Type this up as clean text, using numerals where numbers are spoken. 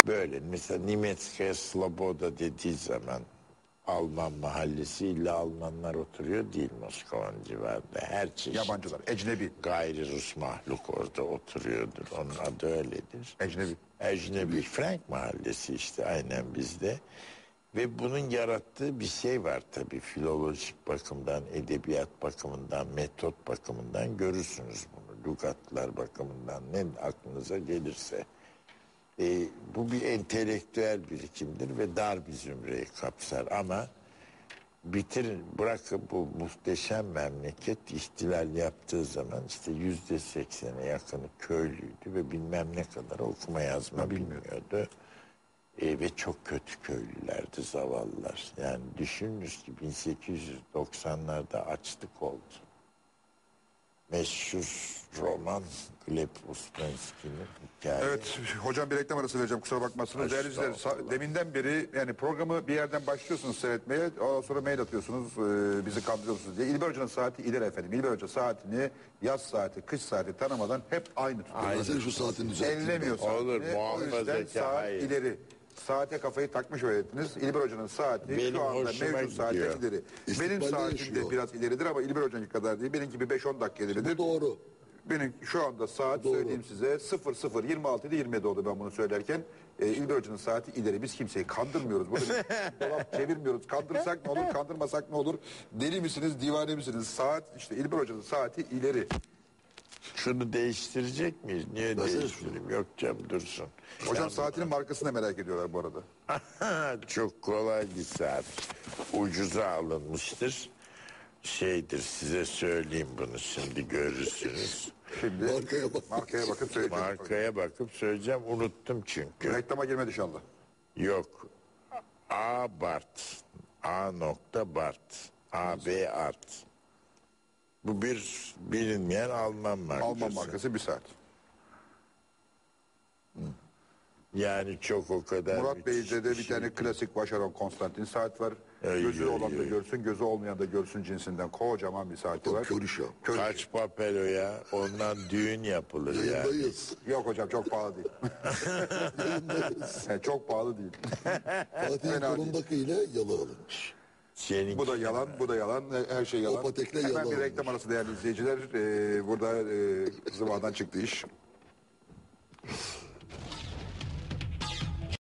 Böyle mesela Nimetskaya Sloboda dediği zaman Alman mahallesi, illa Almanlar oturuyor değil Moskova'nın civarında. Her çeşit Yabancılar, ecnebi. gayri Rus mahluk orada oturuyordur. Onun adı öyledir. Ecnebi. Ecnebi. Frank mahallesi işte aynen bizde. Ve bunun yarattığı bir şey var tabii, filolojik bakımdan, edebiyat bakımından, metot bakımından görürsünüz bunu. Lügatlar bakımından ne aklınıza gelirse. Bu bir entelektüel birikimdir ve dar bir zümreyi kapsar ama bırakın bu muhteşem memleket ihtilal yaptığı zaman işte %80'e yakını köylüydü ve bilmem ne kadar okuma yazma bilmiyordu. Ve çok kötü köylülerdi, zavallılar. Yani düşününüz ki 1890'larda açlık oldu. Meşhur roman Gleb Uspensky'nin hikayesi. Evet hocam, bir reklam arası vereceğim, kusura bakmazsınız. Değerli izleyiciler, deminden beri yani programı bir yerden başlıyorsunuz seyretmeye, ondan sonra mail atıyorsunuz, bizi kandırıyorsunuz diye. İlber Hoca'nın saati ileri efendim. İlber Hoca saatini yaz saati, kış saati tanımadan hep aynı tutuyor. Sen şu saatini düzelttin. Ellemiyor saatini. Olur, O yüzden muhafazakar, saat hayır. ileri. Saate kafayı takmış öğrettiniz. İlber Hoca'nın saati Benim şu anda hoşuma mevcut saatte gidiyor. ileri. Benim İstikbalde saatim de yaşıyor. biraz ileridir ama İlber Hoca'nınki kadar değil. Benimki bir 5-10 dakika ileridir. Bu doğru. Benim şu anda saat Doğru. söyleyeyim size 00:26 ile 27 oldu ben bunu söylerken. İlber Hoca'nın saati ileri. Biz kimseyi kandırmıyoruz. Burada bir dolap çevirmiyoruz. Kandırsak ne olur, kandırmasak ne olur? Deli misiniz, divane misiniz? Saat işte İlber Hoca'nın saati ileri. Şunu değiştirecek miyiz? Niye Nasıl değiştireyim? Yok canım, dursun. Hocam saatinin markasını merak ediyorlar bu arada. Çok kolay bir saat. Ucuza alınmıştır. Size söyleyeyim bunu, şimdi görürsünüz. Şimdi Markaya bak. markaya bakıp söyleyeceğim. Markaya bakıp söyleyeceğim, unuttum çünkü. Reklama girmedi inşallah. Yok. A Bart. A nokta Bart. AB Art. Bu bir bilinmeyen Alman markası. Alman markası bir saat. Yani çok o kadar. Murat müthiş Bey'de de bir şey tane değil. klasik Vacheron Konstantin saat var. Gözü olan da görsün, gözü olmayan da görsün cinsinden kocaman bir saati var. Kör iş o. Kör iş. Kaç papel o ya? Ondan düğün yapılır ya. Yayındayız. Yok hocam, çok pahalı değil. Yayındayız. Yani çok pahalı değil. Fatih'in Fena kolundakıyla yalı alınmış. Senin Bu da yalan, bu da yalan, her şey yalan. O patekle Hemen yalan bir reklam olmuş. arası değerli izleyiciler. Burada zıvadan çıktı iş.